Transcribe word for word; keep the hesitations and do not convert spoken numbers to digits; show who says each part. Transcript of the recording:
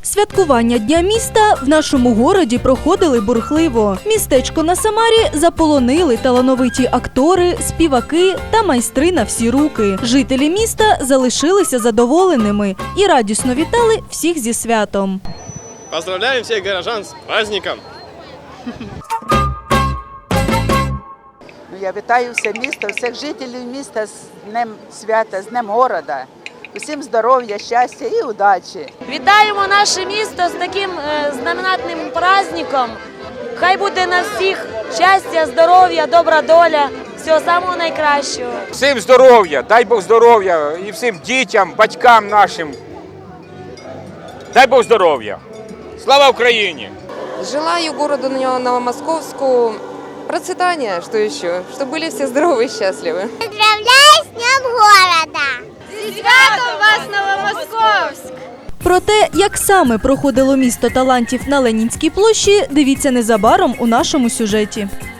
Speaker 1: Святкування Дня міста в нашому городі проходили бурхливо. Містечко на Самарі заполонили талановиті актори, співаки та майстри на всі руки. Жителі міста залишилися задоволеними і радісно вітали всіх зі святом.
Speaker 2: Поздравляем всех горожан с праздником!
Speaker 3: Я вітаю все місто, всіх жителів міста з Днем свята, з Днем города. Усім здоров'я, щастя і удачі.
Speaker 4: Вітаємо наше місто з таким е, знаменатним праздником. Хай буде на всіх щастя, здоров'я, добра доля, всього самого найкращого.
Speaker 5: Всім здоров'я, дай Бог здоров'я і всім дітям, батькам нашим. Дай Бог здоров'я. Слава Україні!
Speaker 6: Желаю городу Новомосковску процветания, что еще, чтобы были все здоровы и счастливы.
Speaker 7: Поздравляю с Днем города!
Speaker 4: Зі святом вас, Новомосковськ!
Speaker 1: Про те, як саме проходило місто талантів на Ленінській площі, дивіться незабаром у нашому сюжеті.